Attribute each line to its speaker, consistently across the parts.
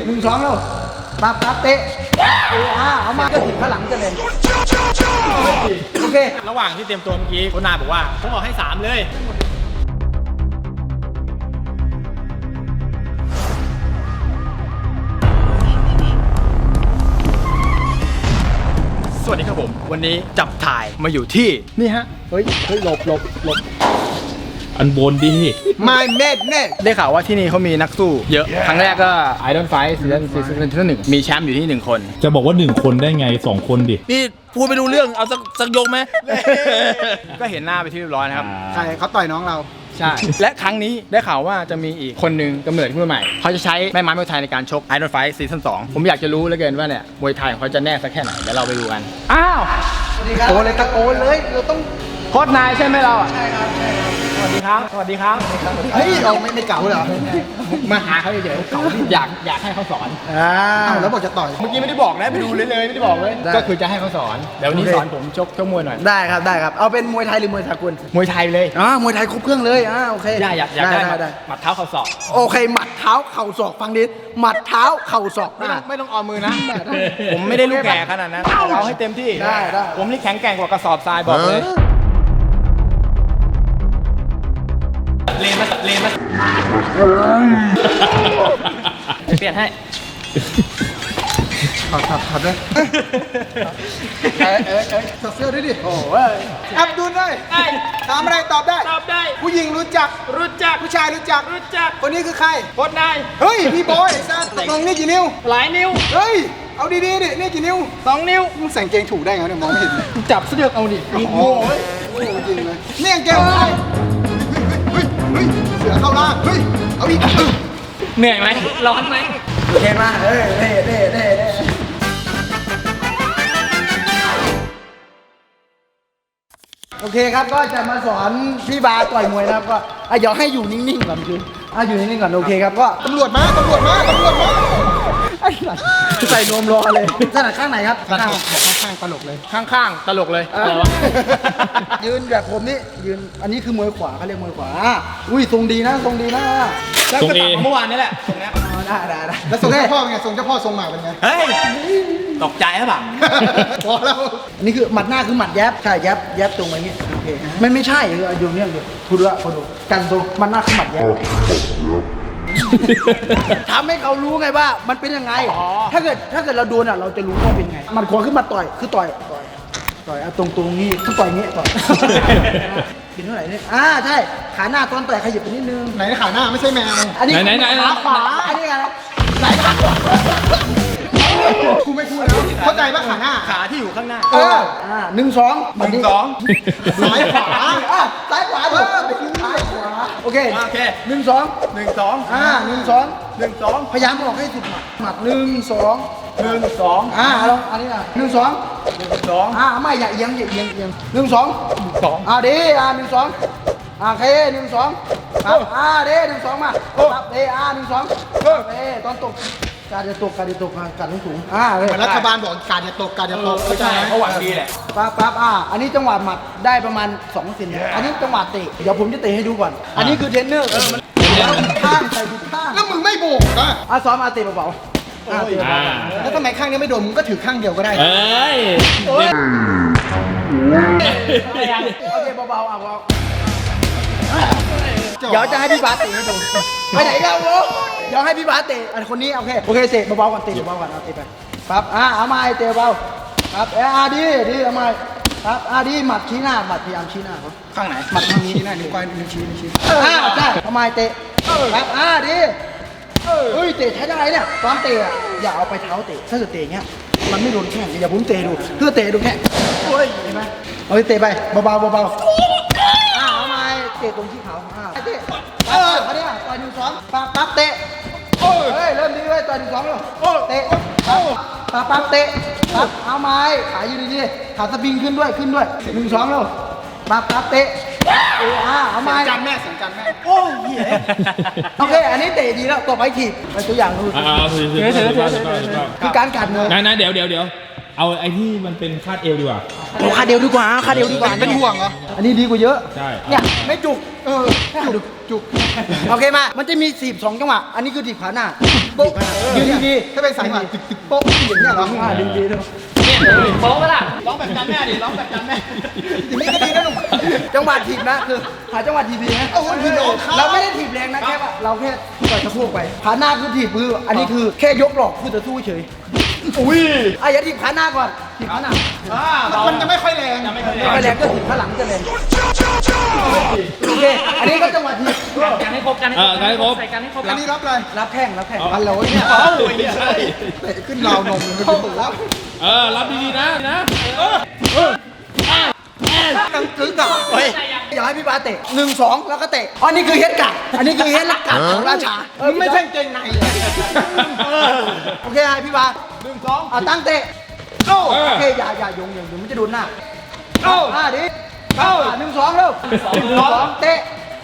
Speaker 1: 1 2แล้วปั๊บเตะเอามาก็ถึงข้างหลังจะเลยโอเค
Speaker 2: ระหว่างที่เตรียมตัวเมื่อกี้โค้ชนาบอกว่าผมบอกให้3เลยสวัสดีครับผมวันนี้จับถ่ายมาอยู่ที่นี่ฮะเฮ้ยหลบ
Speaker 3: อันบนดิ
Speaker 1: ไม่เม็ด
Speaker 2: ได้ข่าวว่าที่นี่เขามีนักสู้เยอะครั้งแรกก็ Idol Fight ซีซั่นที่1มีแชมป์อยู่ที่1คน
Speaker 3: จะบอกว่า1คนได้ไง2คนดิ
Speaker 2: นี่พูดไปดูเรื่องเอาสักยกไหมก็เห็นหน้าไปที่เรียบร้อยนะครับ
Speaker 1: ใช่เขาต่อยน้องเรา
Speaker 2: ใช่และครั้งนี้ได้ข่าวว่าจะมีอีกคนนึงกำเนิดขึ้นมาใหม่เขาจะใช้แม่ไม้มวยไทยในการชก Idol Fight ซีซั่น2ผมอยากจะรู้เหลือเกินว่าเนี่ยมวยไทยของเขาจะแน่สักแค่ไหนเดี๋ยวเราไปดูกันอ้าว
Speaker 1: สวัสดีครับตะโกนเลยเราต้อง
Speaker 2: โค้ชนายใช่ไหมเราอ่ะ
Speaker 1: ใช่ครับ
Speaker 2: สวัสดีครับ
Speaker 1: เฮ้ยเราไม่เก่าเหรอ
Speaker 2: มาหาเขาเฉยๆเขาอยากให้เขาสอน
Speaker 1: แล้วบอกจะต่อย
Speaker 2: เมื่อกี้ไม่ได้บอกนะไปดูเลยไม่ได้บอกเลยก็คือจะให้เขาสอนเดี๋ยววันนี้สอนผมชกมวยหน่อย
Speaker 1: ได้ครับเอาเป็นมวยไทยหรือมวยสากล
Speaker 2: มวยไทยเลย
Speaker 1: มวยไทยครบเครื่องเลยโอเค
Speaker 2: อยากได้หมัดเท้าเข่าศอก
Speaker 1: โอเคหมัดเท้าเข่าศอกฟังดิหมัดเท้าเข่าศอก
Speaker 2: ไม่ต้องเอามือนะผมไม่ได้ลูกแก่ขนาดนั้นเอาให้เต็มที่
Speaker 1: ได้
Speaker 2: ผมนี่แข็งแกร่งกว่ากระสอบทรายบอกเลยเลนมาเปลี่ยนให้
Speaker 1: ถอดด้วยถอดเสื้อด้วยดิโอ้ยอับดุลเลยถามอะไรตอบได้ผู้หญิงรู้จักผู้ชายรู้จักคนนี้คือใคร
Speaker 2: โค้ชนาย
Speaker 1: เฮ้ยพี่บอยซันตกลงนี่กี่นิ้ว
Speaker 2: หลายนิ้ว
Speaker 1: เฮ้ยเอาดีดินี่กี่นิ้ว
Speaker 2: 2 นิ้ว
Speaker 1: มึงใส่เกงถูกได้ไงเนี่ยมองไม่เห็น
Speaker 2: จับเสื้อเอาดิ
Speaker 1: โอ้ยจริงเลยนี่เกงอะไรเสือเข้าล่างเฮ้ยเอาอีก
Speaker 2: เหนื่อยไหมร้อนไหม
Speaker 1: โอเคมาเด้โอเคครับก็จะมาสอนพี่บาต่อยมวยนะครับก็เดี๋ยวให้อยู่นิ่งๆก่อนคืออยู่นิ่งๆก่อนโอเคครับก็ตำรวจมาใส่นวมรอเลยถนัดข้างไหนครับข้างตลกเลย
Speaker 2: ข้างตลกเลย
Speaker 1: ยืนแบบผมนี่ยืนอันนี้คือมวยขวาเขาเรียกมวยขวาอุ้ยทรงดีนะ
Speaker 2: แล้วก็ตัดเมื่อวานนี่แหละตรงนี้
Speaker 1: ได้แล้วทรงเจ้าพ่อเป็นไงทรงเจ้าพ่อทรงหมากเป็นไง
Speaker 2: เฮ้ยตกใจหรือเปล่า
Speaker 1: พอแล้วอันนี้คือหมัดหน้าคือหมัดแยบใช่แยบตรงไปนี้โอเคไม่ใช่อยู่เนี่ยดูกันตรงหมัดหน้าคือหมัดแยบทำให้เขารู้ไงว่ามันเป็นยังไงถ้าเกิดเราโดนเราจะรู้ว่าเป็นไงมันขวาขึ้นมาต่อยคือต่อยตรงนี้ต้องต่อยงี้ต่อยเป็นเท่าไหร่เนี่ยใช่ขาหน้าตอนต่อยขยับไปนิดนึงไหนขาหน้าไม่ใช่แมวอันนี้ขาขวาอันนี้ไงไหนกูไม่พูดแล้วเข้าใจป่ะ
Speaker 2: ขาที่อยู่ข้างหน้า
Speaker 1: 1 2ซ้ายขวาโอเค1 2พยายามออกให้สุดหมัด1 2ลองอันนี้นะ1 2ไม่อย่าเอียง1 2ดี1 2โอเค1 2มา1 2ตอนตกการจะตกการสูงรัฐบาลบอกการจะตก
Speaker 2: ไม่ใช่เขาหวังดีแหละ
Speaker 1: ปั๊บอันนี้จังหวะหมัดได้ประมาณ2 เซนอันนี้จังหวะเตะเดี๋ยวผมจะเตะให้ดูก่อนอันนี้คือเทรนเนอร์ข้างใส่ผิดข้างแล้วมึงไม่โบกซ้อมเตะเบาแล้วทำไมข้างนี้ไม่โดนมึงก็ถือข้างเดียวก็ได้โอเคเบาเดี๋ยวจะให้พี่บาสเตะให้ดูไปไหนกันวะเดี๋ยวให้พี่บาสเตะอันคนนี้โอเคเตะเบาๆก่อนเตะเบาๆก่อนเอาเตะไปปั๊บเอาไม้เตะเบาครับดีเอาไม้ครับดีหมัดชี้หน้าหมัดพยายามชี้หน้าเขา
Speaker 2: ข้างไหน
Speaker 1: หมัดทางนี้หน้านิ้วก้อยนิ้วชี้ใช่เอาไม้เตะครับดีเฮ้ยเตะใช้ได้เนี่ยตอนเตะอย่าเอาไปเท้าเตะถ้าเกิดเตะเงี้ยมันไม่โดนแข้งอย่าผมเตะดูเพื่อเตะดูแค่เห็นไหมเอาเตะไปเบาเอาไม้เตะตรงที่เขาเตะเขาเนี่ยต่อย1 2ปั๊บเตะเริ่มดีเลยต่อย1 2แล้วเตะปั๊บเตะเอาไม้ขาอยู่ดีๆขาสปริงขึ้นด้วย1 2แล้วปั๊บเตะเอาไม้
Speaker 2: จันแม่
Speaker 1: โอ้ยโอเคอันนี้เตะดีแล้วต่อไปถีบไปตัวอย่างดูคือการกัดมือ
Speaker 3: นะเดี๋ยวเอาไอ้ที่มันเป็นคาดเอวดีกว่า
Speaker 1: คาดเอวดีกว่าเป็นห่วงเหรออันนี้ดีกว่าเยอะ
Speaker 3: ใช่
Speaker 1: เนี่ยไม่จุกจุกโอเคมามันจะมี42จังหวะอันนี้คือถีบขาหน้าโป๊ะยืนดีๆถ้าเป็นสายมาตึกโป๊ะอย่างเงี้ยเหรอดีๆด้วย
Speaker 4: โป๊ะปะล่ะ
Speaker 2: ร้องแบบจำแม่ดิร้องแบบจำแม่
Speaker 1: ไม่ก็ดีนะหนุ่มจังหวะถีบนะคือหาจังหวะถีบดีนะเราไม่ได้ถีบแรงนะแค่ว่าเราแค่ต่อยสะโพกไปขาหน้าคือถีบมืออันนี้คือแค่ยกหลอกคือจะสู้เฉยอุ้ยอย่าถีบขาหน้าก่อนถีบขาหน้ามันจะไม่ค่อยแรงไม่ค่อยแรงก็ถีบขาหลังจะแรงโอเคอันนี้ก็จังหวะถีบ
Speaker 4: การให้ครบการให้ครบใส่การให้ครบ
Speaker 1: อันนี้รับอะไรรับแข้งอันเราเนี่ยเตะขึ้นราวนมมันจะปวดแล้ว
Speaker 3: รับดีๆนะ
Speaker 1: ตั้งตึ๊กอะเฮ้ยอย่าให้พี่บาเตะ1-2แล้วก็เตะอันนี้คือเฮดกัดอันนี้คือเฮดลักกัดของราชาไม่ใช่เกงในเลยโอเคไงพี่บา1-2ตั้งเตะโอเคอย่าโยงมันจะโดนหน้าดิ1-2เร็ว2เตะ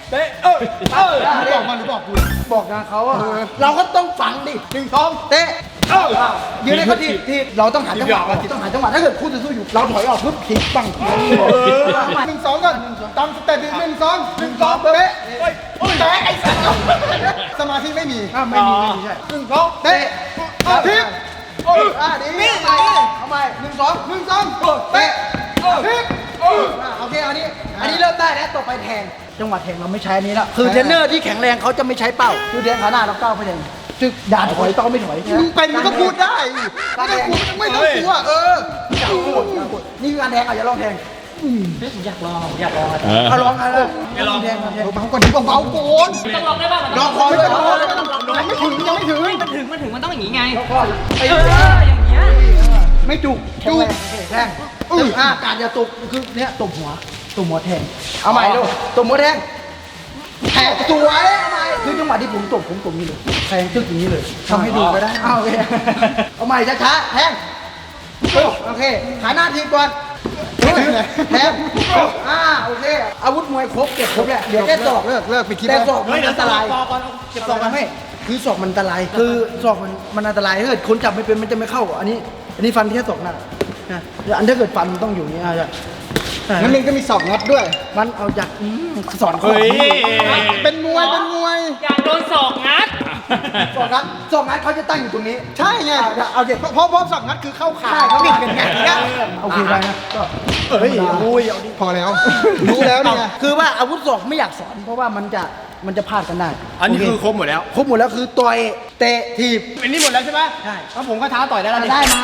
Speaker 1: บอกมันหรือบอกกูบอกนะเขาเราก็ต้องฟังดิ1-2เตะยืนให้เขาทีเราต้องหาจังหวะถ้าเกิดคู่จะสู้อยู่เราถอยออกปุ๊บทิ้งปัง1-2ก่อนตามสเต็ป1-2เตะไอ้สัตว์สมาธิไม่มีไม่มีใช่1-2เตะทิ้งดีเอาใหม่1-2เตะทิ้งโอเคอันนี้เริ่มได้แล้วต่อไปแทงจังหวะแทงเราไม่ใช้อันนี้แล้วคือเทรนเนอร์ที่แข็งแรงเขาจะไม่ใช้เป้าคือแทงขาหน้าเราก้าวไปแทงจึกด่าถอยต้องไม่ถอยมึงเป็นมึงก็พูดได้ไม่ต้องกลัวนี่คือการแทงอย่าลองแทง
Speaker 4: อยากลอง
Speaker 1: เอาลองอะไรอย่าลองแทงเบาๆก่อนเบาๆก่อน
Speaker 4: ต้องลองได้ป่ะ
Speaker 1: ลองคอเลยยังไม่ถึง
Speaker 4: มันต้องอย่างนี้ไง
Speaker 1: อย่างเงี้ยไม่จุกแทงการอย่าตบคือเนี้ยตบหัวแทงเอาใหม่ดูตบหัวแทงแทงสวยเอาใหม่คือจังหวะที่ผมตบนี่เลยแทงตึกอย่างนี้เลยทำให้ดูก็ได้เอาใหม่ช้าๆแทงโอเคขาหน้าทีก่อนแทงโอเคอาวุธมวยครบเก็บครบแล้วเดี๋ยวแค่ศอกเลิกไปคิดแต่ศอกมันอันตรายเก็บศอกกันไม่คือศอกมันอันตรายคือศอกมันอันตรายถ้าเกิดคนจับไม่เป็นมันจะไม่เข้าอันนี้ฟันแค่ศอกหน้าอันถ้าเกิดฟันมันต้องอยู่นี่งั้นมันก็มีศอกงัดด้วยมันเอาจากสอนคนเป็นมวย
Speaker 4: อยากโดนศอกงัด
Speaker 1: ศอกงัดเขาจะตั้งอยู่ตรงนี้ใช่ไงเอาเด็กเพราะศอกงัดคือเข้าขาเขาบิดกันไงโอเคได้นะก็เอาดิพอแล้วรู้แล้วเนี่ยคือว่าอาวุธศอกไม่อยากสอนเพราะว่ามันจะพลาดกันได้
Speaker 2: อันนี้คือครบหมดแล้ว
Speaker 1: คือต่อยเตะถีบ
Speaker 2: อันนี้หมดแล้วใช่ไหม
Speaker 1: ใช่
Speaker 2: แล้วผมก็ท้าต่อยได้แล้ว
Speaker 1: ได้มา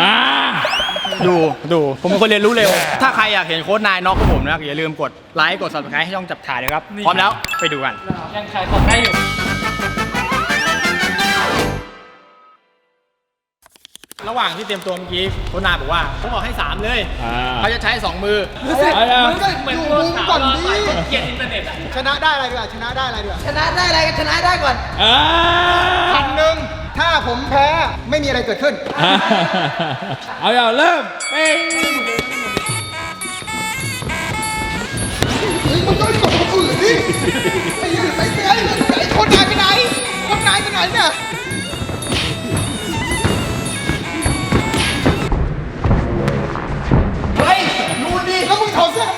Speaker 2: ดูผมเป็นคนเรียนรู้เร็วถ้าใครอยากเห็นโค้ชนายน็อกของผมนะอย่าลืมกดไลค์กด subscribe ให้ช่องจับถ่ายเลยครับพร้อมแล้วไปดูกัน
Speaker 4: ยังขายของได้อยู่
Speaker 2: ระหว่างที่เตรียมตัวเมื่อกี้โค้ชนายบอกว่าผมบอกให้3เลยเขาจะใช้2มือ
Speaker 1: มึงก็อยู่มุมก่อนดิ
Speaker 4: เกียรติอินเทอร์เน็ต
Speaker 1: ชนะได้อะไรดีกว่าชนะได้อะไรก่อน1,000ถ้าผมแพ้ไม่มีอะไรเกิดขึ้น
Speaker 3: เอาอย่าเริ่ม
Speaker 1: มึงก็กดคนอื่นดิไอ้คนนายไปไหนเนี่ยเฮ้ยดูดิแล้วมึงถอดเสื้อทำไม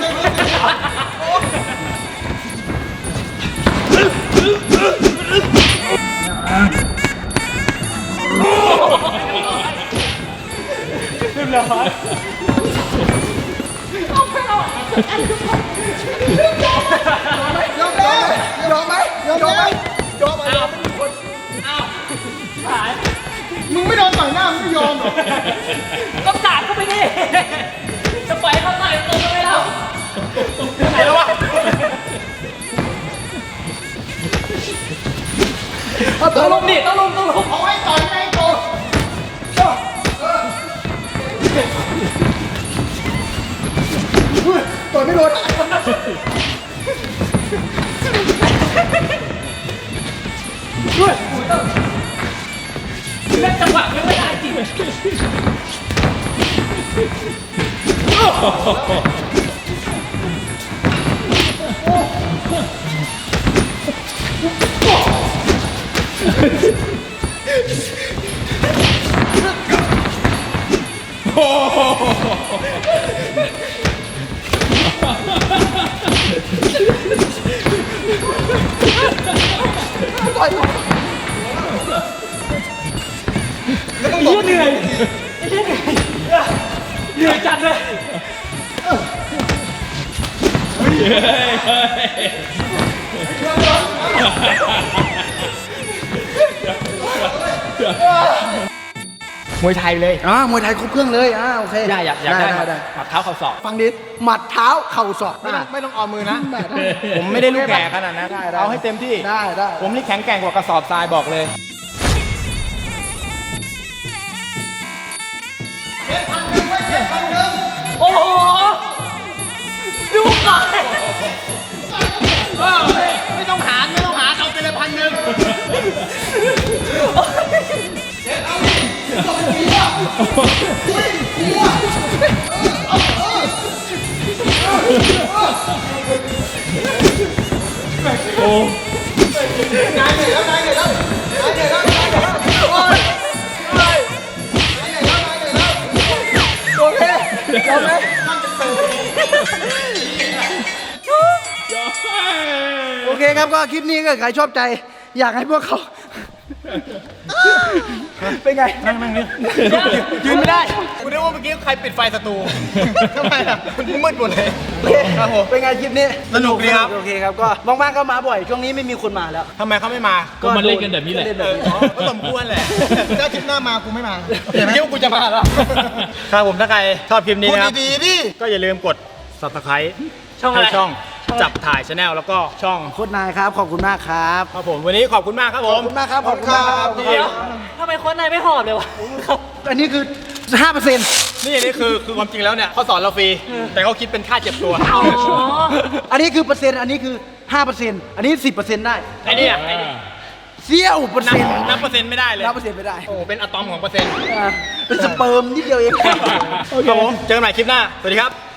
Speaker 4: เรียบร้อย
Speaker 1: ยอมไหมมึงไม่โดนต่อยหน้ามึงไม่ยอมหรอ
Speaker 4: ต้องสาดเข้าไปดิจะปล่อยเขาต่อยตัวไม่เรา
Speaker 2: ไหนแล้ววะ
Speaker 4: ต้องลุม
Speaker 1: เอาให้ต่อยไงโตต่อยไม่โดน
Speaker 4: เล่นจังหวะไม่ได้จริง
Speaker 3: โอ้
Speaker 1: ต่อย
Speaker 4: เหนื่อยเหนื่อยจัดเลย
Speaker 2: มวยไทยเลย
Speaker 1: มวยไทยครบเครื่องเลยโอเค
Speaker 2: อยากได้หมัดเท้าเข่าศอก
Speaker 1: ฟังดิหมัดเท้าเข่าศอก
Speaker 2: ไม่ต้องเอามือนะ ผมไม่ได้ลูกแก่ขนาดนั้น
Speaker 1: ได้
Speaker 2: เอาให้เต็มที่
Speaker 1: ได้
Speaker 2: ผมนี่แข็งแกร่งกว่ากระสอบทรายบอกเลย
Speaker 4: โอ้โหดูก่อน
Speaker 2: ไม่ต้องหารเอาไปเลย1,000
Speaker 1: โอเคยอมไหมโอเคครับก็คลิปนี้ก็ใครชอบใจ อยากให้พวกเขา เป็นไง
Speaker 2: นั่งนี่ยืนไม่ได้กูนึกว่าเมื่อกี้ใครปิดไฟสตูทำไมอ่ะมันมืดหมดเลย ครับผม
Speaker 1: เป็นไงคลิปนี้
Speaker 2: สนุกดีครับ
Speaker 1: โอเคครับก็ว่างๆก็มาบ่อยช่วงนี้ไม่มีคนมาแล้ว
Speaker 2: ทำไมเขาไม่มา
Speaker 3: ก็มันเล่นกันแบบนี้แหละ
Speaker 1: เล่นแบบนี้
Speaker 2: ก็สมควรแหละถ้าคลิปหน้ามากูไม่มาเห็นไหมว่ากูจะมาแล้วครับผมถ้าใครชอบคลิปนี้นะครับดีๆดิก็อย่าลืมกด subscribe
Speaker 4: ช่องอะไร
Speaker 2: ให้ช่องจับถ่ายชาแนลแล้วก็ช่อง
Speaker 1: โคตรนายครับขอบคุณมากครับ
Speaker 2: ครับผมวันนี้ขอบคุณมากครับผ
Speaker 1: ขอ
Speaker 2: ม
Speaker 1: บคุณมากครับขอบคุณมากครับ
Speaker 2: ขอบคุณ
Speaker 4: เดี๋ยว
Speaker 2: ครับ
Speaker 4: ทำไมโค้ชนายไม่หอบเลยวะครับ
Speaker 1: อันนี้คือ 5%
Speaker 2: นี่คือความจริงแล้วเนี่ยเขาสอนเราฟรีแต่เขาคิดเป็นค่าเจ็บตัว
Speaker 4: อ๋อ
Speaker 1: อันนี้คือเปอร์เซ็นต์อันนี้คือ 5%อันนี้ 10%ได้
Speaker 2: ไอ้นี่อ่ะไอ้นี่
Speaker 1: เสี้ยวเปอร์
Speaker 2: นั
Speaker 1: เซ็นต์
Speaker 2: นับเปอร์เซ็นต์ไม่ได้เลย
Speaker 1: นับเปอร์เซ็นต์ไม่ได้
Speaker 2: โอ้โหเป็นอะตอมของเปอร์เซ็นต์
Speaker 1: เป็นสเปิร์มนิดเดียวเอง
Speaker 2: ครับผมเจอกันใหม่คลิปหน้าสวัสดีครับ